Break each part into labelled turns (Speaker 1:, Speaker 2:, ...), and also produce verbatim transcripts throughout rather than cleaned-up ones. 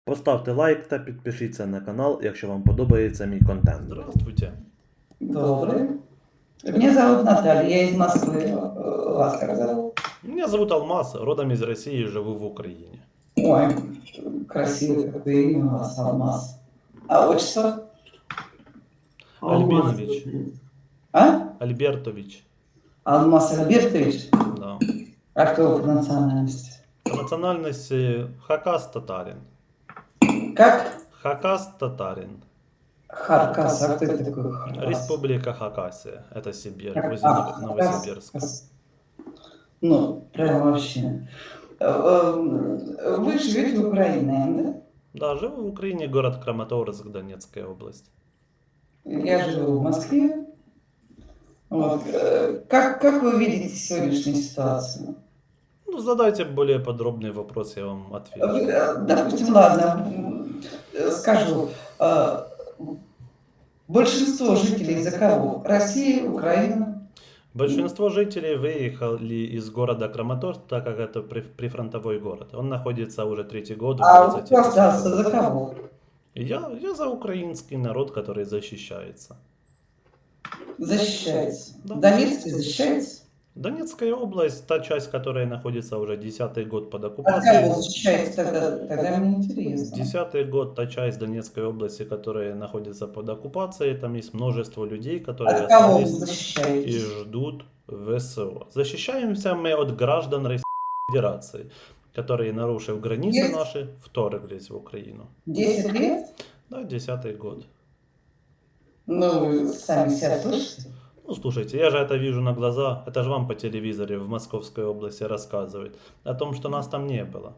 Speaker 1: Поставте лайк та підпишіться на канал, якщо вам подобається мій контент.
Speaker 2: Здравствуйте.
Speaker 3: Добрый. Меня зовут Наталья, я из Москвы. Э, Вас как зовут?
Speaker 2: Меня зовут Алмаз, родом из России, живу в Украине.
Speaker 3: Ой, красивый какое имя у вас, Алмаз. А отчество?
Speaker 2: Альбинович.
Speaker 3: А?
Speaker 2: Альбертович.
Speaker 3: Алмаз Альбертович?
Speaker 2: Да.
Speaker 3: А кто вы по национальности?
Speaker 2: По национальности хакас татарин.
Speaker 3: Как?
Speaker 2: Хакас татарин.
Speaker 3: Харкас. А кто это такой Харкас?
Speaker 2: Республика Хакасия. Это Сибирь,
Speaker 3: Как-
Speaker 2: возле
Speaker 3: а,
Speaker 2: Ново- Новосибирска.
Speaker 3: Хакас. Ну, прям вообще. Э, э, Вы живете в Украине, да?
Speaker 2: Да, живу в Украине, город Краматорск, Донецкая область.
Speaker 3: Я живу в Москве. Вот. э, Как, как вы видите сегодняшнюю ситуацию?
Speaker 2: Ну, задайте более подробный вопрос, я вам отвечу.
Speaker 3: Вы, э, Допустим, ладно, м, э, скажу. э, Большинство жителей за кого? Россия, Украина?
Speaker 2: Большинство жителей выехали из города Краматорск, так как это при- прифронтовой город. Он находится уже третий год в
Speaker 3: А
Speaker 2: двадцати
Speaker 3: кто остался за кого?
Speaker 2: Я, я за украинский народ, который защищается.
Speaker 3: Защищается.
Speaker 2: Да.
Speaker 3: Донецкий защищается?
Speaker 2: Донецкая область, та часть, которая находится уже десятый год под
Speaker 3: От кого
Speaker 2: оккупацией.
Speaker 3: защищается тогда? Тогда мне интересно.
Speaker 2: Десятый год, та часть Донецкой области, которая находится под оккупацией, там есть множество людей, которые
Speaker 3: От кого вы
Speaker 2: остались и
Speaker 3: защищаетесь?
Speaker 2: ждут ВСО. Защищаемся мы от граждан Российской Федерации, которые, нарушив границы
Speaker 3: Есть?
Speaker 2: наши, вторглись в Украину.
Speaker 3: Десять лет?
Speaker 2: Да, десятый год.
Speaker 3: Ну, вы сами себя слышите?
Speaker 2: Ну, слушайте, я же это вижу на глаза. Это же вам по телевизоре в Московской области рассказывают о том, что нас там не было.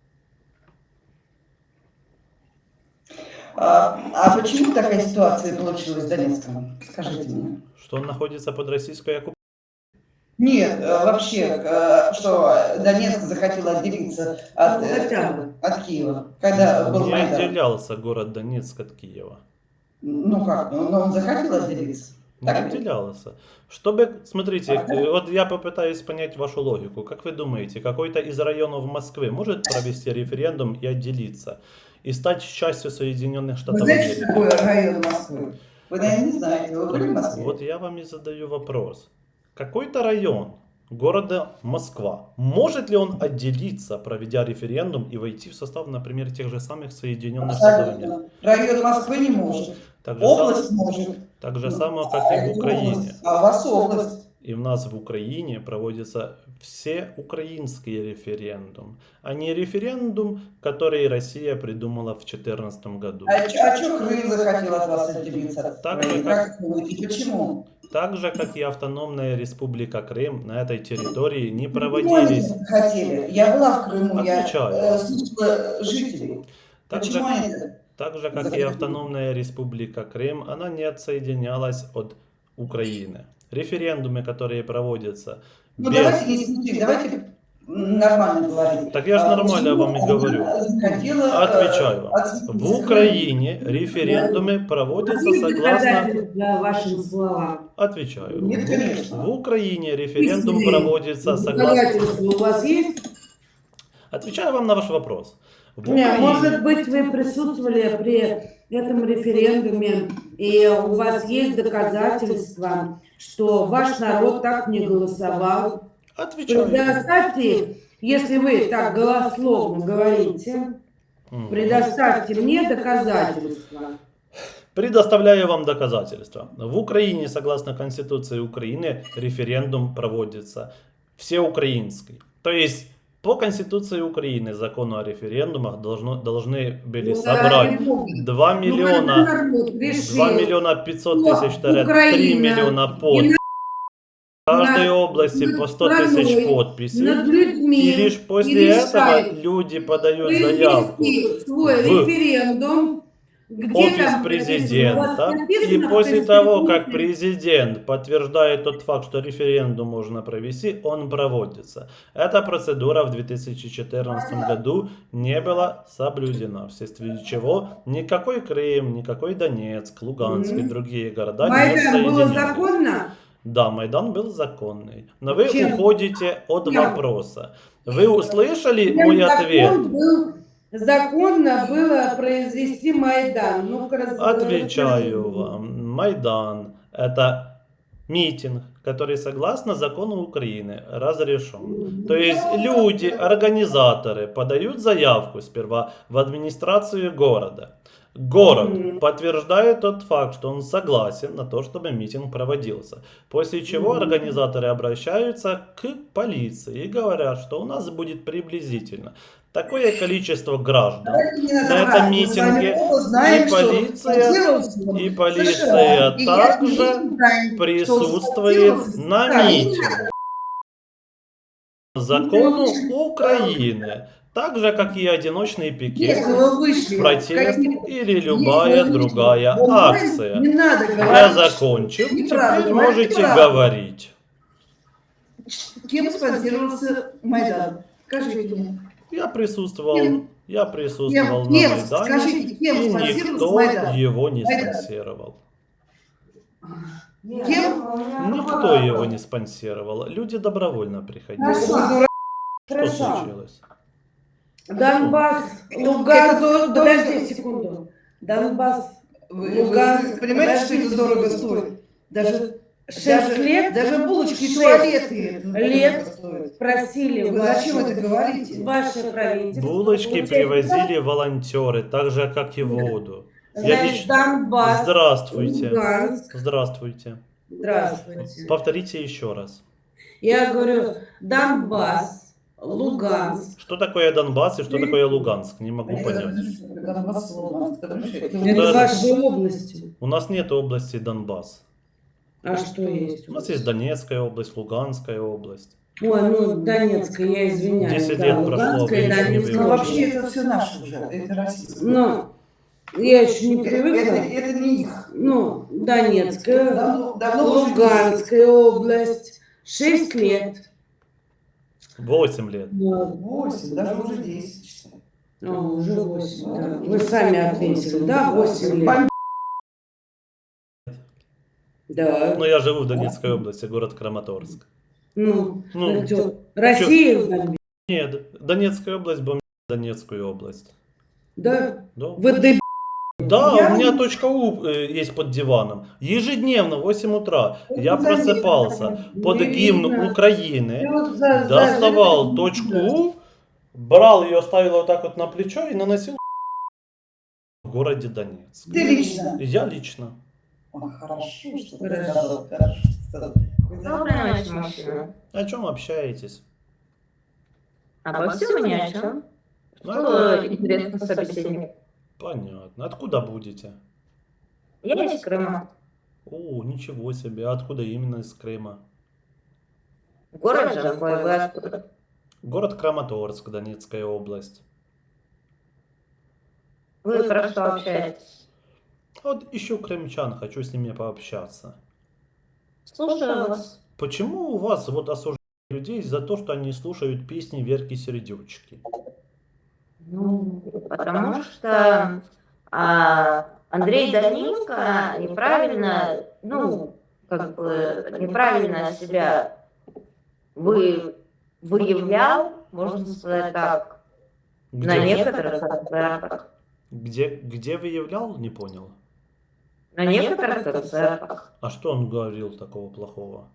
Speaker 3: А, а почему такая ситуация получилась в Донецком? Скажите мне.
Speaker 2: Что он находится под российской оккупацией.
Speaker 3: Нет, э, вообще, э, что Донецк захотел отделиться от, э, от Киева, когда был
Speaker 2: Не
Speaker 3: Майдан.
Speaker 2: отделялся город Донецк от Киева.
Speaker 3: Ну как, ну, но он захотел отделиться.
Speaker 2: Не
Speaker 3: Так ли?
Speaker 2: отделялся. Чтобы, смотрите, э, вот я попытаюсь понять вашу логику. Как вы думаете, какой-то из районов Москвы может провести референдум и отделиться? И стать частью Соединенных
Speaker 3: Вы
Speaker 2: Штатов
Speaker 3: знаете, что
Speaker 2: Америки?
Speaker 3: такое район Москвы? Вы, наверное, не знаете. Вы были в Москве?
Speaker 2: Вот я вам и задаю вопрос. Какой-то район города Москва, может ли он отделиться, проведя референдум и войти в состав, например, тех же самых Соединенных Штатов Америки?
Speaker 3: Абсолютно. Район Москвы не может.
Speaker 2: Так же,
Speaker 3: Область
Speaker 2: сам-
Speaker 3: может.
Speaker 2: так же само,
Speaker 3: А
Speaker 2: как и в
Speaker 3: это
Speaker 2: Украине.
Speaker 3: область. А у вас область.
Speaker 2: И в нас в Украине проводится все украинский референдум, а не референдум, который Россия придумала в две тысячи четырнадцатом году.
Speaker 3: А что Крым захотел от вас отделиться?
Speaker 2: Так же,
Speaker 3: Как вы думаете, почему?
Speaker 2: Так же, как и автономная республика Крым, на этой территории не
Speaker 3: Почему
Speaker 2: проводились.
Speaker 3: они хотели? Я была в Крыму, я
Speaker 2: Отвечаю.
Speaker 3: э, слушала жителей.
Speaker 2: Так же,
Speaker 3: Почему они...
Speaker 2: так же, как и автономная республика Крым, она не отсоединялась от Украины. Референдумы, которые проводятся
Speaker 3: Ну
Speaker 2: без...
Speaker 3: давайте не смешить, давайте нормально говорить.
Speaker 2: Так я ж
Speaker 3: А
Speaker 2: нормально
Speaker 3: почему
Speaker 2: вам и говорю.
Speaker 3: она хотела, э,
Speaker 2: Отвечаю вам.
Speaker 3: отсоединиться
Speaker 2: В Украине референдумы проводятся согласно...
Speaker 4: Доказательства вашим словам.
Speaker 2: Отвечаю.
Speaker 3: Нет, конечно.
Speaker 2: В Украине референдум
Speaker 4: Если
Speaker 2: проводится согласно...
Speaker 4: Доказательства у вас есть?
Speaker 2: Отвечаю вам на ваш вопрос. В
Speaker 4: Не,
Speaker 2: Украине-
Speaker 4: может быть, вы присутствовали при этом референдуме, и у вас есть доказательства, что ваш народ так не голосовал.
Speaker 2: Отвечаю.
Speaker 4: Предоставьте, если вы так голословно говорите,
Speaker 2: Мгм.
Speaker 4: предоставьте мне доказательства.
Speaker 2: Предоставляю вам доказательства. В Украине, согласно Конституции Украины, референдум проводится всеукраинский. То есть, по Конституции Украины, закону о референдумах, должно, должны были
Speaker 4: Ну,
Speaker 2: собрать
Speaker 4: ради Бога.
Speaker 2: два
Speaker 4: Ну,
Speaker 2: миллиона,
Speaker 4: когда народ решил,
Speaker 2: два миллиона пятьсот
Speaker 4: что
Speaker 2: тысяч, три
Speaker 4: Украина
Speaker 2: миллиона подписей. В каждой области по сто тысяч
Speaker 4: страной,
Speaker 2: подписей.
Speaker 4: над людьми
Speaker 2: И лишь после
Speaker 4: и
Speaker 2: этого
Speaker 4: решает
Speaker 2: люди подают заявку
Speaker 4: провести свой
Speaker 2: в
Speaker 4: референдум, где
Speaker 2: офис
Speaker 4: там
Speaker 2: президента.
Speaker 4: у вас
Speaker 2: И
Speaker 4: написано в
Speaker 2: после того, как
Speaker 4: Конституции,
Speaker 2: президент подтверждает тот факт, что референдум можно провести, он проводится. Эта процедура в две тысячи четырнадцатом году не была соблюдена, вследствие чего никакой Крым, никакой Донецк, Луганск и
Speaker 4: Мгм.
Speaker 2: другие города не
Speaker 4: Майдан было
Speaker 2: соединялись.
Speaker 4: законно?
Speaker 2: Да, Майдан был законный. Но вы
Speaker 4: Чем?
Speaker 2: уходите от
Speaker 4: Чем?
Speaker 2: вопроса. Вы услышали
Speaker 4: Чем
Speaker 2: мой
Speaker 4: закон
Speaker 2: ответ?
Speaker 4: был законно было произвести Майдан? Ну-ка, раз-
Speaker 2: Отвечаю
Speaker 4: расскажи.
Speaker 2: вам. Майдан – это митинг, который, согласно закону Украины, разрешен. То есть люди, организаторы подают заявку сперва в администрацию города. Город
Speaker 4: Мгм.
Speaker 2: подтверждает тот факт, что он согласен на то, чтобы митинг проводился. После чего
Speaker 4: Мгм.
Speaker 2: организаторы обращаются к полиции и говорят, что у нас будет приблизительно такое количество граждан.
Speaker 3: Не надо
Speaker 2: На
Speaker 3: врать,
Speaker 2: этом
Speaker 3: мы с вами
Speaker 2: митинге
Speaker 3: оба знаем,
Speaker 2: и
Speaker 3: что
Speaker 2: полиция,
Speaker 3: спонсировался он
Speaker 2: и
Speaker 3: США.
Speaker 2: полиция
Speaker 3: И я
Speaker 2: также
Speaker 3: не знаю, что он
Speaker 2: присутствует
Speaker 3: спонсировался
Speaker 2: на
Speaker 3: США.
Speaker 2: митинге. Закону Украины, так же как и одиночный пикет,
Speaker 3: Если вы вышли,
Speaker 2: протест
Speaker 3: какие-то-
Speaker 2: или
Speaker 3: если
Speaker 2: любая
Speaker 3: вы вышли
Speaker 2: другая
Speaker 3: в онлайн,
Speaker 2: акция.
Speaker 3: Не надо
Speaker 2: Я
Speaker 3: говорить,
Speaker 2: закончил,
Speaker 3: неправда,
Speaker 2: теперь
Speaker 3: говорите
Speaker 2: можете
Speaker 3: правду.
Speaker 2: говорить.
Speaker 3: Кем спонсировался Майдан? Скажите мне.
Speaker 2: Я присутствовал,
Speaker 3: Кем?
Speaker 2: я присутствовал
Speaker 3: Кем?
Speaker 2: на
Speaker 3: Кем?
Speaker 2: Майдане,
Speaker 3: Скажите, кем
Speaker 2: и
Speaker 3: спонсировался
Speaker 2: никто
Speaker 3: Майдан?
Speaker 2: его не
Speaker 3: Майдан.
Speaker 2: спонсировал.
Speaker 3: Кем?
Speaker 2: Никто его не спонсировал. Люди добровольно приходили.
Speaker 3: Хорошо.
Speaker 2: Что
Speaker 4: Хорошо.
Speaker 2: случилось?
Speaker 4: Донбасс,
Speaker 3: Это
Speaker 4: Луганск,
Speaker 3: дорого.
Speaker 4: подожди секунду. Донбасс,
Speaker 3: Вы, вы
Speaker 4: Луганск,
Speaker 3: понимаете, что это дорого стоит? Даже,
Speaker 4: шесть
Speaker 3: даже,
Speaker 4: лет,
Speaker 3: даже булочки и
Speaker 4: шесть
Speaker 3: туалеты это
Speaker 4: лет
Speaker 3: дорого стоит.
Speaker 4: просили
Speaker 3: Вы
Speaker 4: ваше-
Speaker 3: зачем это говорите?
Speaker 4: ваше правительство.
Speaker 2: Булочки
Speaker 4: получать-
Speaker 2: привозили волонтеры, так же как и воду. Я
Speaker 4: Значит,
Speaker 2: лично...
Speaker 4: Донбасс,
Speaker 2: Здравствуйте.
Speaker 4: Луганск.
Speaker 2: Здравствуйте.
Speaker 4: Здравствуйте.
Speaker 2: Повторите еще раз.
Speaker 4: Я говорю, Донбасс, Луганск.
Speaker 2: Что такое Донбасс и что такое Луганск? Не могу понять.
Speaker 4: Это
Speaker 2: Да.
Speaker 4: ваши области.
Speaker 2: У нас нет области Донбасс.
Speaker 4: А что есть?
Speaker 2: У нас есть Донецкая область, Луганская область.
Speaker 4: Ой, ну Донецкая, я извиняюсь.
Speaker 2: Десять
Speaker 4: да,
Speaker 2: лет прошло,
Speaker 4: Луганская,
Speaker 2: вы ничего не
Speaker 4: Донецкая.
Speaker 3: Ну,
Speaker 2: выучили.
Speaker 3: вообще это все наше уже, это российское.
Speaker 4: Ну, я еще не
Speaker 3: это,
Speaker 4: привыкла.
Speaker 3: это не их.
Speaker 4: Ну, Донецкая,
Speaker 3: Давно, давно уже
Speaker 4: Луганская область. Шесть лет.
Speaker 2: Восемь лет.
Speaker 3: восемь, даже уже десять.
Speaker 4: А, уже восемь, да. Вы сами ответили, да, восемь лет. Да.
Speaker 2: Но я живу в Донецкой области, город Краматорск.
Speaker 4: Ну,
Speaker 2: Ну,
Speaker 4: это Россия бомбит,
Speaker 2: Нет, Донецкая область бомбит Донецкую область.
Speaker 4: да?
Speaker 2: Да,
Speaker 4: Вы деб...
Speaker 2: да
Speaker 4: Я-
Speaker 2: у меня точка У э, есть под диваном. Ежедневно в восемь утра я
Speaker 3: Ну, заметно.
Speaker 2: просыпался под
Speaker 4: Не
Speaker 2: гимн
Speaker 4: видно.
Speaker 2: Украины,
Speaker 4: Ты вот за- за-
Speaker 2: доставал
Speaker 4: за-
Speaker 2: точку У, брал ее, ставил вот так вот на плечо и наносил в городе Донецк.
Speaker 3: Ты лично.
Speaker 2: Я лично.
Speaker 3: Ой, хорошо, что ты
Speaker 4: Хорошо.
Speaker 3: сказал, хорошо сказал.
Speaker 5: Доброй ночи, мужчина.
Speaker 2: О чем общаетесь?
Speaker 5: Обо всем и ни о чем.
Speaker 2: Ну,
Speaker 5: Что интересно собеседник?
Speaker 2: Понятно. Откуда будете?
Speaker 5: Я из Крыма.
Speaker 2: О, ничего себе. Откуда именно из Крыма?
Speaker 5: Город Жанкой, вы откуда?
Speaker 2: Город Краматорск, Донецкая область.
Speaker 5: Вы про что общаетесь?
Speaker 2: Вот ищу крымчан, хочу с ними пообщаться.
Speaker 5: Слушаю вас.
Speaker 2: Почему у вас вот осуждают людей за то, что они слушают песни Верки Сердючки?
Speaker 5: Ну, потому что а, Андрей Данилко неправильно, ну, как бы неправильно себя вы, выявлял, можно сказать так, на
Speaker 2: Где,
Speaker 5: некоторых концертах.
Speaker 2: где, где выявлял, не понял.
Speaker 5: На некоторых концертах.
Speaker 2: А что он говорил такого плохого?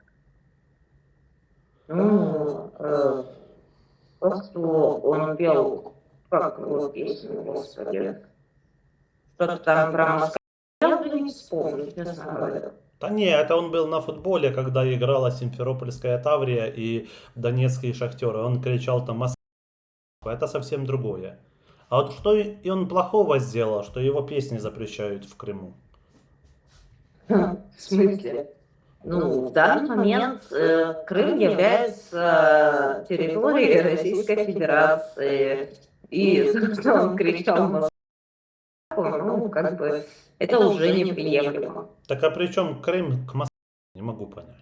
Speaker 5: Ну, э, то, что он пел, как его песню, господи, что-то там про Москву. Я уже не вспомню, честно говоря.
Speaker 2: Да не, это он был на футболе, когда играла Симферопольская Таврия и Донецкие Шахтеры. Он кричал там «Москва». Это совсем другое. А вот что и он плохого сделал, что его песни запрещают в Крыму?
Speaker 5: В смысле? Ну, в данный момент э, Крым является территорией Российской Федерации. И то, что он кричал «Москва», ну, как бы, это уже неприемлемо.
Speaker 2: Так а при чем Крым к Москве? Не могу понять.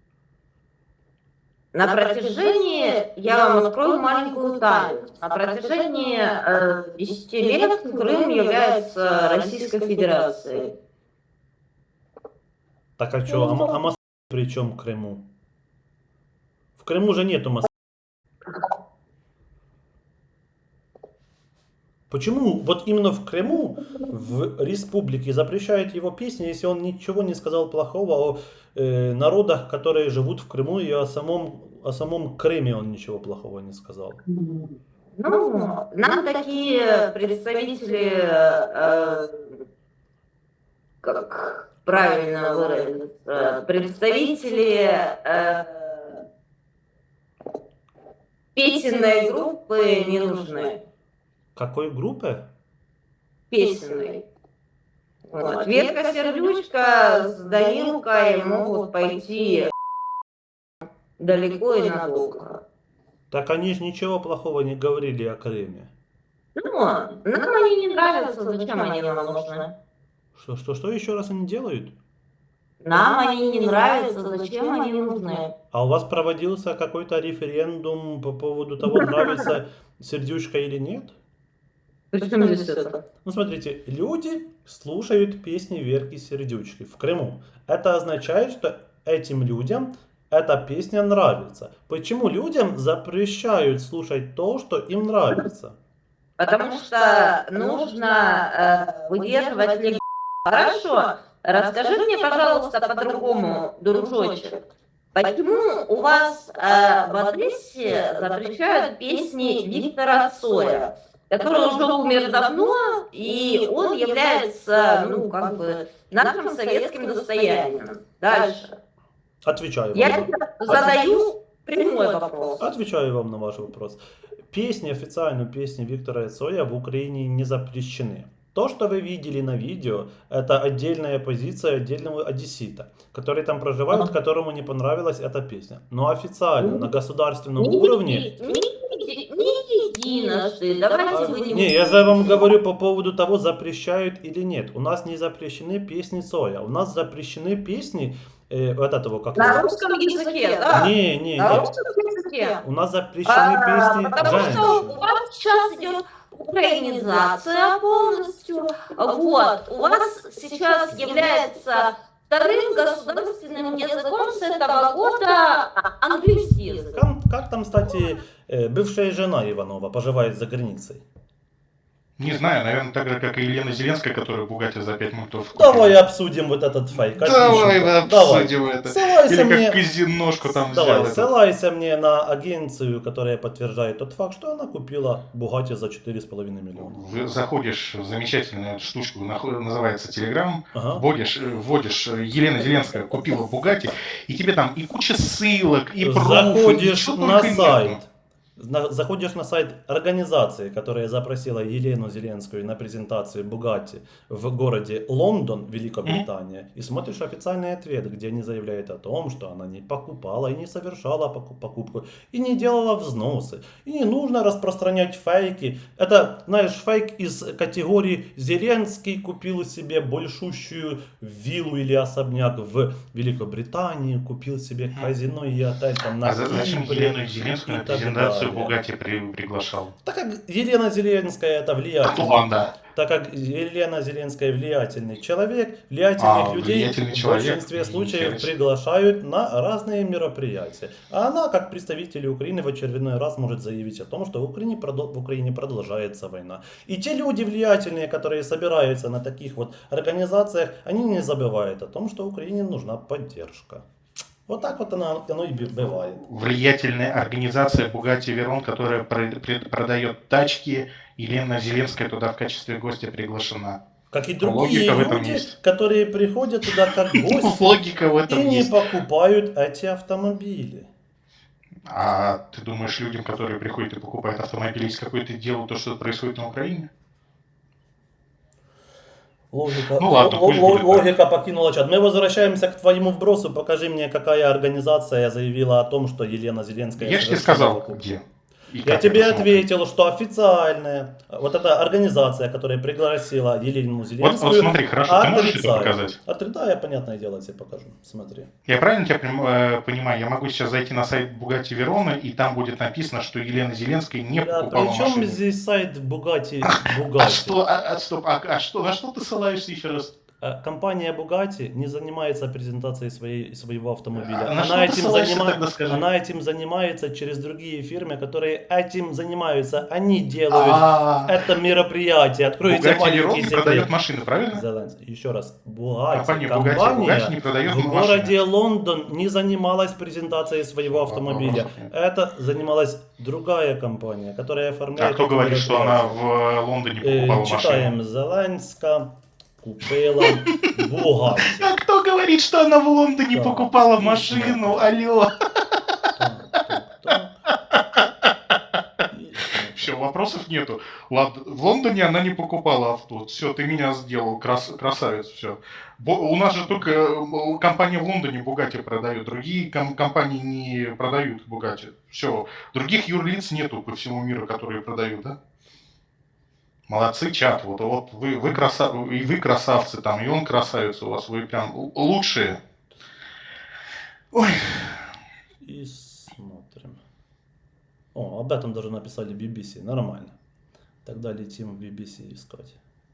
Speaker 5: На протяжении, я вам открою маленькую тайну, на протяжении э, десяти лет Крым является Российской Федерацией.
Speaker 2: Так а что, а, Мо- а Москва при чем к Крыму? В Крыму же нету Москвы. Почему вот именно в Крыму, в республике, запрещают его песни, если он ничего не сказал плохого о э, народах, которые живут в Крыму, и о самом, о самом Крыме он ничего плохого не сказал?
Speaker 5: Ну, нам такие представители, э, как правильно выразиться, представители э, песенной группы не нужны.
Speaker 2: Какой группы?
Speaker 5: Песенной. Вот. Верка Сердючка с Данилкой могут пойти далеко и надолго.
Speaker 2: Так они же ничего плохого не говорили о Крыме.
Speaker 5: Ну, нам они не нравятся, зачем они нам нужны?
Speaker 2: Что, что, что еще раз они делают?
Speaker 5: Нам они не нравятся, зачем они нужны?
Speaker 2: А у вас проводился какой-то референдум по поводу того, нравится Сердючка или нет?
Speaker 5: Причем здесь это?
Speaker 2: Ну, смотрите, люди слушают песни Верки Сердючки в Крыму. Это означает, что этим людям эта песня нравится. Почему людям запрещают слушать то, что им нравится?
Speaker 5: Потому что нужно э, выдерживать легкость. Хорошо, расскажи мне, пожалуйста, по-другому, дружочек. Почему у вас э, в Одессе запрещают песни Виктора Цоя, который уже умер давно, и он является, ну, как бы, нашим советским достоянием? Дальше.
Speaker 2: Отвечаю вам.
Speaker 5: Я задаю прямой вопрос.
Speaker 2: Отвечаю вам на ваш вопрос. Песни, официально песни Виктора Цоя в Украине не запрещены. То, что вы видели на видео, это отдельная позиция отдельного одессита, который там проживает, которому не понравилась эта песня. Но официально, на государственном
Speaker 5: Не
Speaker 2: уровне...
Speaker 5: еди- Не, не единожды, давайте вы не...
Speaker 2: Не, я же вам говорю по поводу того, запрещают или нет. У нас не запрещены песни Цоя, у нас запрещены песни э, вот этого как...
Speaker 5: На русском языке, да?
Speaker 2: Не, не,
Speaker 5: На
Speaker 2: не.
Speaker 5: русском языке.
Speaker 2: У нас запрещены
Speaker 5: А,
Speaker 2: песни
Speaker 5: потому что у
Speaker 2: женщин.
Speaker 5: вас сейчас идет украинизация полностью. Вот. У вас сейчас является вторым государственным языком с этого года английский язык.
Speaker 2: Как, как там, кстати, э, бывшая жена Иванова поживает за границей?
Speaker 6: Не знаю, наверное, так же, как и Елена Зеленская, которая Бугатти за пять мультов купила.
Speaker 2: Давай обсудим вот этот фейк.
Speaker 6: Давай
Speaker 2: Отлично.
Speaker 6: мы обсудим это.
Speaker 2: Ссылайся
Speaker 6: Или
Speaker 2: мне...
Speaker 6: как казиношку там
Speaker 2: Давай,
Speaker 6: взял.
Speaker 2: ссылайся мне на агенцию, которая подтверждает тот факт, что она купила Бугатти за четыре с половиной миллиона.
Speaker 6: Вы заходишь в замечательную штучку, наход- называется Telegram,
Speaker 2: Ага.
Speaker 6: вводишь, э, вводишь э, Елена Зеленская купила Бугатти, и тебе там и куча ссылок, и пруфы,
Speaker 2: Заходишь
Speaker 6: ничего
Speaker 2: на
Speaker 6: только
Speaker 2: сайт.
Speaker 6: нету.
Speaker 2: На- заходишь на сайт организации, которая запросила Елену Зеленскую на презентацию Бугатти в городе Лондон, Великобритания, и смотришь официальный ответ, где они заявляют о том, что она не покупала и не совершала поку- покупку, и не делала взносы. И не нужно распространять фейки. Это, знаешь, фейк из категории «Зеленский купил себе большущую виллу или особняк в Великобритании, купил себе казино и отель там на
Speaker 6: А за- зачем
Speaker 2: Кипре»,
Speaker 6: Елену Зеленскую
Speaker 2: и
Speaker 6: на
Speaker 2: так
Speaker 6: презентацию
Speaker 2: далее.
Speaker 6: Бугатти при- приглашал?
Speaker 2: Так как Елена Зеленская это влиятельный,
Speaker 6: Атланда.
Speaker 2: так как Елена Зеленская влиятельный человек, влиятельных
Speaker 6: А,
Speaker 2: людей
Speaker 6: влиятельный
Speaker 2: в
Speaker 6: человек.
Speaker 2: большинстве случаев
Speaker 6: Интересно.
Speaker 2: приглашают на разные мероприятия. А она, как представитель Украины, в очередной раз может заявить о том, что в Украине, продол- в Украине продолжается война. И те люди влиятельные, которые собираются на таких вот организациях, они не забывают о том, что Украине нужна поддержка. Вот так вот оно, оно и б- бывает.
Speaker 6: Влиятельная организация Бугатти Верон, которая про- при- продает тачки, Елена Зеленская туда в качестве гостя приглашена.
Speaker 2: Как и другие
Speaker 6: Логика в этом
Speaker 2: люди,
Speaker 6: есть.
Speaker 2: которые приходят туда как гости.
Speaker 6: Логика в этом
Speaker 2: И не
Speaker 6: есть.
Speaker 2: покупают эти автомобили.
Speaker 6: А ты думаешь, людям, которые приходят и покупают автомобили, есть какое-то дело, то, что происходит на Украине?
Speaker 2: Логика,
Speaker 6: Ну ладно,
Speaker 2: ло-
Speaker 6: пусть
Speaker 2: ло-
Speaker 6: будет так.
Speaker 2: логика покинула чат. Мы возвращаемся к твоему вбросу. Покажи мне, какая организация заявила о том, что Елена Зеленская...
Speaker 6: Я же тебе
Speaker 2: совершила
Speaker 6: сказал,
Speaker 2: покупку.
Speaker 6: где. И
Speaker 2: Я
Speaker 6: как
Speaker 2: тебе
Speaker 6: это смотреть.
Speaker 2: ответил, что официальная, вот эта организация, которая пригласила Елену
Speaker 6: Вот,
Speaker 2: Зеленскую,
Speaker 6: вот смотри, хорошо, ты можешь это
Speaker 2: отрицает.
Speaker 6: показать?
Speaker 2: Отри- Да, я, понятное дело, тебе покажу. Смотри.
Speaker 6: Я правильно тебя прям, э, понимаю? Я могу сейчас зайти на сайт Бугатти Верона, и там будет написано, что Елена Зеленская не
Speaker 2: Бля,
Speaker 6: покупала
Speaker 2: при чем
Speaker 6: машину.
Speaker 2: здесь сайт Бугатти?
Speaker 6: А
Speaker 2: Бугатти?
Speaker 6: что, а, а, стоп, а, а что, на что ты ссылаешься еще раз?
Speaker 2: Э, Компания Bugatti не занимается презентацией своей, своего автомобиля.
Speaker 6: А на что
Speaker 2: Она
Speaker 6: ты
Speaker 2: этим,
Speaker 6: ссылаешься
Speaker 2: занима-
Speaker 6: тогда, скажи?
Speaker 2: она этим занимается через другие фирмы, которые этим занимаются. Они делают
Speaker 6: А
Speaker 2: это мероприятие. Откройте
Speaker 6: Bugatti
Speaker 2: маленький
Speaker 6: Veyron не
Speaker 2: секрет.
Speaker 6: продает машины, правильно?
Speaker 2: Зеленский. Еще раз. Bugatti,
Speaker 6: Компания
Speaker 2: компания,
Speaker 6: Bugatti, Bugatti не продает
Speaker 2: в
Speaker 6: машины.
Speaker 2: городе Лондон не занималась презентацией своего автомобиля.
Speaker 6: Вопросов нет.
Speaker 2: Это занималась другая компания, которая
Speaker 6: А
Speaker 2: оформляет
Speaker 6: кто
Speaker 2: эти
Speaker 6: говорит, что она
Speaker 2: мероприятия.
Speaker 6: в Лондоне
Speaker 2: Э,
Speaker 6: покупала машину?
Speaker 2: Читаем Зеленська купила Bugatti.
Speaker 6: А кто говорит, что она в Лондоне
Speaker 2: Так,
Speaker 6: покупала
Speaker 2: и
Speaker 6: машину?
Speaker 2: смотри.
Speaker 6: Алло.
Speaker 2: Так, так, так. И
Speaker 6: Все, вопросов нету. Ладно, в Лондоне она не покупала авто. Все, ты меня сделал, крас- красавец, все. У нас же только э, компания в Лондоне Бугатти продает, другие ком- компании не продают Бугатти. Все, других юрлиц нету по всему миру, которые продают, да? Молодцы, чат, вот, вот вы, вы, краса... и вы красавцы там, и он красавец у вас, вы прям л- лучшие. Ой,
Speaker 2: И смотрим. О, об этом даже написали би би си. Нормально. Тогда летим в би би си искать.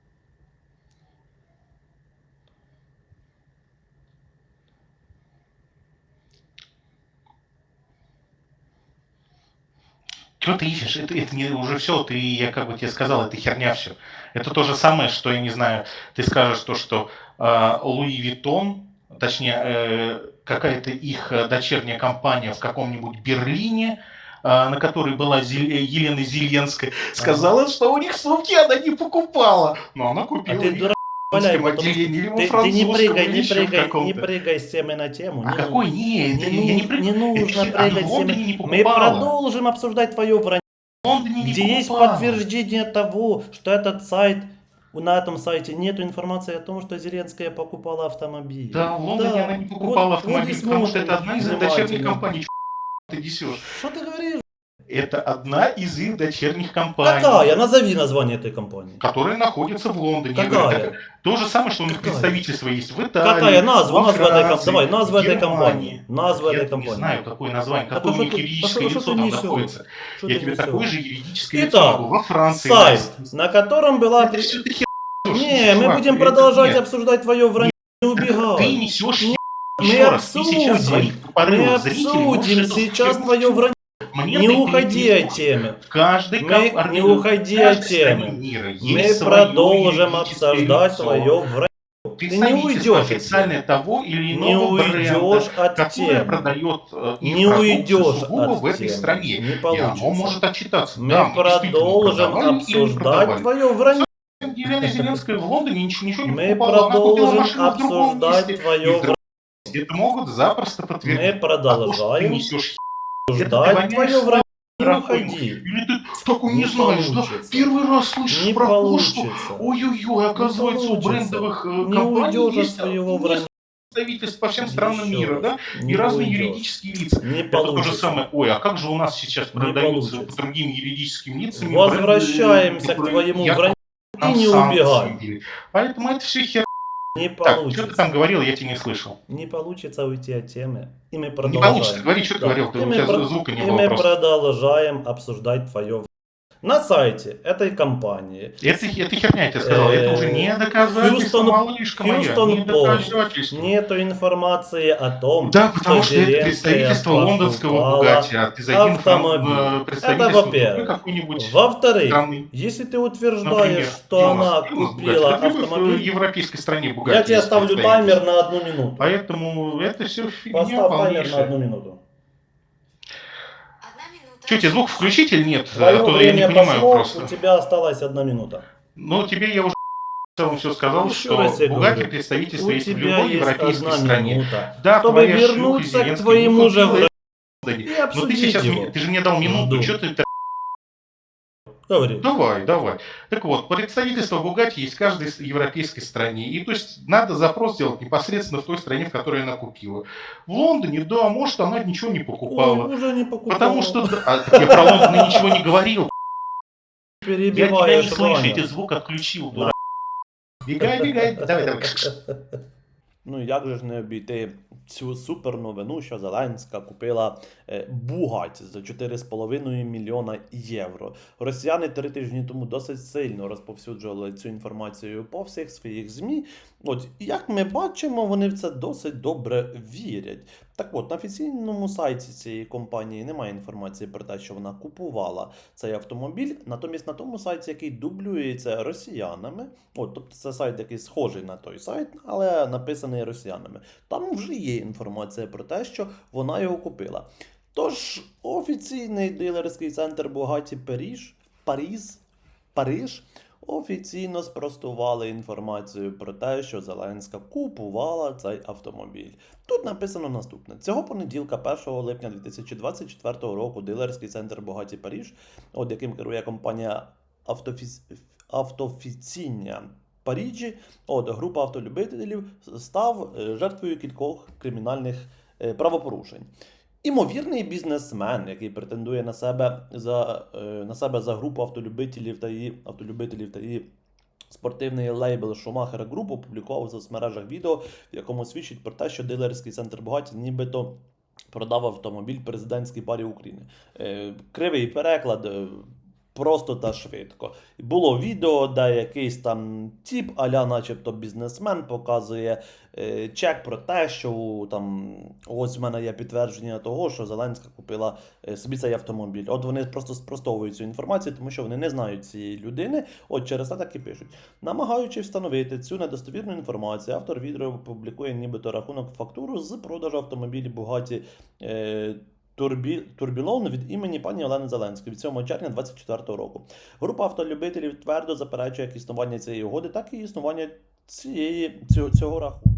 Speaker 6: что ты ищешь? Это, это не уже все, ты, я как бы тебе сказал, это херня все. Это то же самое, что, я не знаю, ты скажешь то, что э, Луи Виттон, точнее, э, какая-то их э, дочерняя компания в каком-нибудь Берлине, э, на которой была Зель- Елена Зеленская, сказала, что у них сумки она не покупала. Но она
Speaker 2: А
Speaker 6: купила
Speaker 2: ты
Speaker 6: их
Speaker 2: дурак,
Speaker 6: в
Speaker 2: валяй,
Speaker 6: русском
Speaker 2: потому что
Speaker 6: отделении или во
Speaker 2: ты, ты не
Speaker 6: французском,
Speaker 2: прыгай,
Speaker 6: или
Speaker 2: не
Speaker 6: еще в
Speaker 2: прыгай, не
Speaker 6: каком-то.
Speaker 2: прыгай с темы на тему.
Speaker 6: А
Speaker 2: Не
Speaker 6: какой?
Speaker 2: ну-
Speaker 6: Нет,
Speaker 2: не,
Speaker 6: я не
Speaker 2: ну-
Speaker 6: прыг-
Speaker 2: не нужно
Speaker 6: Это
Speaker 2: прыгать
Speaker 6: она в
Speaker 2: с темы.
Speaker 6: Лондоне не
Speaker 2: Мы
Speaker 6: покупала.
Speaker 2: продолжим обсуждать твое вранье.
Speaker 6: В Лондоне не
Speaker 2: Где есть
Speaker 6: покупала.
Speaker 2: подтверждение того, что этот сайт, на этом сайте нет информации о том, что Зеленская покупала автомобиль.
Speaker 6: Да, в Лондоне
Speaker 2: Да.
Speaker 6: она не покупала
Speaker 2: Вот-
Speaker 6: автомобиль,
Speaker 2: вот и
Speaker 6: потому что
Speaker 2: смотрим
Speaker 6: это одна из их дочерних
Speaker 2: внимательно.
Speaker 6: компаний. Чё ты несешь?
Speaker 2: Что ты говоришь?
Speaker 6: Это одна из их дочерних компаний,
Speaker 2: Какая? Назови название этой компании.
Speaker 6: которая находится в Лондоне. Я говорю,
Speaker 2: Какая?
Speaker 6: так- то же самое, что у них
Speaker 2: Какая?
Speaker 6: представительство есть в Италии.
Speaker 2: Какая назва?
Speaker 6: во
Speaker 2: Назва этой
Speaker 6: Франции,
Speaker 2: компании. Давай, назва
Speaker 6: в
Speaker 2: этой
Speaker 6: Германии.
Speaker 2: компании. Назва
Speaker 6: Я
Speaker 2: этой
Speaker 6: не
Speaker 2: компании.
Speaker 6: знаю, какое название,
Speaker 2: А
Speaker 6: какое
Speaker 2: то
Speaker 6: у них
Speaker 2: что ты-
Speaker 6: юридическое
Speaker 2: а что
Speaker 6: лицо
Speaker 2: ты
Speaker 6: там
Speaker 2: несешь?
Speaker 6: находится.
Speaker 2: Что
Speaker 6: Я
Speaker 2: ты
Speaker 6: тебе
Speaker 2: несешь?
Speaker 6: такое же юридическое лицо
Speaker 2: Итак,
Speaker 6: могу во Франции.
Speaker 2: сайт,
Speaker 6: найти.
Speaker 2: на котором была...
Speaker 6: Это всё ты хер несёшь,
Speaker 2: Не, мы
Speaker 6: чувак,
Speaker 2: будем
Speaker 6: это
Speaker 2: продолжать
Speaker 6: нет.
Speaker 2: обсуждать твое вранье. Не убегай.
Speaker 6: Ты несешь
Speaker 2: Не,
Speaker 6: хер.
Speaker 2: мы
Speaker 6: Еще раз, ты сейчас
Speaker 2: обсудим.
Speaker 6: своих
Speaker 2: Мы
Speaker 6: порывов зрителей можешь
Speaker 2: обсудим
Speaker 6: эту
Speaker 2: сейчас
Speaker 6: херню
Speaker 2: твое вранье.
Speaker 6: Мне
Speaker 2: Не
Speaker 6: ты
Speaker 2: уходи
Speaker 6: перебил.
Speaker 2: от темы.
Speaker 6: В каждой
Speaker 2: Мы
Speaker 6: ком-
Speaker 2: не
Speaker 6: в
Speaker 2: уходи
Speaker 6: каждой
Speaker 2: от темы.
Speaker 6: стране мира
Speaker 2: Мы
Speaker 6: есть своё
Speaker 2: продолжим
Speaker 6: юридическое
Speaker 2: обсуждать
Speaker 6: лицо.
Speaker 2: твое вранье. Ты не
Speaker 6: Представительство
Speaker 2: уйдешь от
Speaker 6: официальное
Speaker 2: темы.
Speaker 6: того или
Speaker 2: Не
Speaker 6: иного бренда,
Speaker 2: уйдешь от
Speaker 6: которое
Speaker 2: темы.
Speaker 6: продает э, их
Speaker 2: Не
Speaker 6: продукцию
Speaker 2: уйдешь
Speaker 6: сугубо
Speaker 2: от
Speaker 6: в этой
Speaker 2: темы.
Speaker 6: стране.
Speaker 2: Не
Speaker 6: И оно
Speaker 2: получится.
Speaker 6: может отчитаться.
Speaker 2: Мы
Speaker 6: Да, мы действительно
Speaker 2: продолжим
Speaker 6: продавали или не
Speaker 2: обсуждать
Speaker 6: продавали.
Speaker 2: твое вранье.
Speaker 6: Елена Зеленская в Лондоне ничего, ничего не
Speaker 2: Мы
Speaker 6: покупала. Она купила
Speaker 2: продолжим
Speaker 6: машину в другом
Speaker 2: обсуждать
Speaker 6: месте.
Speaker 2: твое
Speaker 6: И в другом
Speaker 2: вранье.
Speaker 6: месте это могут запросто подтвердить.
Speaker 2: Мы
Speaker 6: А то, что ты
Speaker 2: продолжаем
Speaker 6: несешь,
Speaker 2: обсуждать
Speaker 6: воняешь
Speaker 2: твое вранье. Не
Speaker 6: раком.
Speaker 2: уходи.
Speaker 6: Или ты такой не,
Speaker 2: Не
Speaker 6: знаешь, да?
Speaker 2: получится.
Speaker 6: Первый раз слышишь
Speaker 2: Не
Speaker 6: про то, что
Speaker 2: получится.
Speaker 6: ой-ой-ой, оказывается, у
Speaker 2: получится.
Speaker 6: брендовых э,
Speaker 2: Не
Speaker 6: компаний
Speaker 2: уйдешь от
Speaker 6: есть
Speaker 2: своего вранья.
Speaker 6: представительств по всем странам
Speaker 2: Еще
Speaker 6: мира,
Speaker 2: раз.
Speaker 6: да?
Speaker 2: Не
Speaker 6: И разные
Speaker 2: уйдешь.
Speaker 6: юридические лица.
Speaker 2: Не
Speaker 6: Это то же
Speaker 2: получится.
Speaker 6: самое. Ой, а как же у нас сейчас
Speaker 2: Не
Speaker 6: продаются
Speaker 2: получится.
Speaker 6: по другим юридическим лицам?
Speaker 2: Возвращаемся
Speaker 6: бренды,
Speaker 2: к твоему
Speaker 6: якобы
Speaker 2: вранью. Ты
Speaker 6: нам
Speaker 2: не
Speaker 6: санкции
Speaker 2: убегай.
Speaker 6: ввели. Поэтому это все хер.
Speaker 2: Не
Speaker 6: Так, что ты
Speaker 2: получится.
Speaker 6: там говорил, я тебя не слышал.
Speaker 2: Не получится уйти от темы. И мы
Speaker 6: Не
Speaker 2: продолжаем.
Speaker 6: получится. Говори, что ты
Speaker 2: Да.
Speaker 6: говорил, ты,
Speaker 2: И
Speaker 6: у
Speaker 2: мы
Speaker 6: тебя
Speaker 2: про-
Speaker 6: звука не
Speaker 2: И
Speaker 6: было
Speaker 2: мы
Speaker 6: просто.
Speaker 2: продолжаем обсуждать твое. На сайте этой компании
Speaker 6: Это, это херня, я тебе сказал. Это уже не доказательство,
Speaker 2: Хьюстон-
Speaker 6: малышка моя.
Speaker 2: Хьюстон
Speaker 6: Не
Speaker 2: Пост.
Speaker 6: доказательство.
Speaker 2: нету информации о том,
Speaker 6: Да, потому что это
Speaker 2: Зеленская
Speaker 6: представительство лондонского
Speaker 2: покупала
Speaker 6: Бугатти, а ты зайди
Speaker 2: автомобиль.
Speaker 6: на
Speaker 2: Это
Speaker 6: представительство
Speaker 2: во-первых.
Speaker 6: другой какой-нибудь
Speaker 2: Во-вторых,
Speaker 6: страны.
Speaker 2: если ты утверждаешь,
Speaker 6: Например,
Speaker 2: что
Speaker 6: где у
Speaker 2: она
Speaker 6: нас? Где у нас
Speaker 2: купила
Speaker 6: Бугатти? Да, в
Speaker 2: автомобиль,
Speaker 6: европейской стране Бугатти.
Speaker 2: я тебе
Speaker 6: есть
Speaker 2: ставлю
Speaker 6: представительство.
Speaker 2: таймер на одну минуту.
Speaker 6: Поэтому это все фигня
Speaker 2: Поставь таймер на
Speaker 6: полнейшая.
Speaker 2: одну минуту.
Speaker 6: Что, тебе звук включить или нет?
Speaker 2: Твое
Speaker 6: А то я не
Speaker 2: время
Speaker 6: понимаю
Speaker 2: пошло,
Speaker 6: просто.
Speaker 2: у тебя осталась одна минута.
Speaker 6: Ну, тебе я уже в целом все сказал,
Speaker 2: Еще
Speaker 6: что
Speaker 2: раз я
Speaker 6: Бугатти
Speaker 2: говорю,
Speaker 6: представительство
Speaker 2: У
Speaker 6: есть в
Speaker 2: тебя
Speaker 6: любой
Speaker 2: есть
Speaker 6: европейской
Speaker 2: одна
Speaker 6: стране.
Speaker 2: минута,
Speaker 6: Да,
Speaker 2: чтобы
Speaker 6: твоя шлюха
Speaker 2: вернуться к
Speaker 6: Зеленская
Speaker 2: твоему
Speaker 6: не
Speaker 2: же
Speaker 6: купила
Speaker 2: вранью.
Speaker 6: это.
Speaker 2: И
Speaker 6: Ну ты
Speaker 2: обсудить
Speaker 6: сейчас,
Speaker 2: его.
Speaker 6: мне- ты же мне дал минуту,
Speaker 2: Жду.
Speaker 6: что ты...
Speaker 2: Говори.
Speaker 6: Давай, давай. Так вот, представительство Бугатти есть в каждой с- европейской стране. И то есть надо запрос сделать непосредственно в той стране, в которой она купила. В Лондоне, да, может, она ничего не покупала.
Speaker 2: Ой, уже не покупала.
Speaker 6: Потому что... А, так я про Лондон ничего не говорил. Я тебя не
Speaker 2: Перебиваешь
Speaker 6: слышу, я
Speaker 2: Ваню.
Speaker 6: тебе звук отключил, дурак. Бегай, бегай. Давай, давай.
Speaker 2: Ну як же ж не обійти
Speaker 1: цю супер новину, що Зеленська купила е, Бугаті за чотири з половиною мільйона євро. Росіяни три тижні тому досить сильно розповсюджували цю інформацію по всіх своїх ЗМІ. От, і як ми бачимо, вони в це досить добре вірять. Так от, на офіційному сайті цієї компанії немає інформації про те, що вона купувала цей автомобіль, натомість на тому сайті, який дублюється росіянами, от, тобто це сайт, який схожий на той сайт, але написаний росіянами, там вже є інформація про те, що вона його купила. Тож, офіційний дилерський центр Бугаті Париж, Паріз, Париж офіційно спростували інформацію про те, що Зеленська купувала цей автомобіль. Тут написано наступне. Цього понеділка, першого липня дві тисячі двадцять четвертого року, дилерський центр Бугаті Париж, от яким керує компанія Автофіс... Автофіціння Паріджі, от група автолюбителів, став е, жертвою кількох кримінальних е, правопорушень. Імовірний бізнесмен, який претендує на себе за, е, на себе за групу автолюбителів та її, автолюбителів та її спортивний лейбл Шумахер Груп, опублікував в соцмережах відео, в якому свідчить про те, що дилерський центр Бугаті нібито продав автомобіль президентській парі України. Е, кривий переклад, е, просто та швидко. Було відео, де якийсь там тіп, а-ля начебто бізнесмен, показує е, чек про те, що там ось в мене є підтвердження того, що Зеленська купила е, собі цей автомобіль. От вони просто спростовують цю інформацію, тому що вони не знають цієї людини, от через це так і пишуть. Намагаючись встановити цю недостовірну інформацію, автор відео публікує нібито рахунок фактуру з продажу автомобілів Бугаті е, Турбі... Турбілон від імені пані Олени Зеленської від сьомого червня двадцять четвертого року. Група автолюбителів твердо заперечує як існування цієї угоди, так і існування цієї, цього, цього рахунку.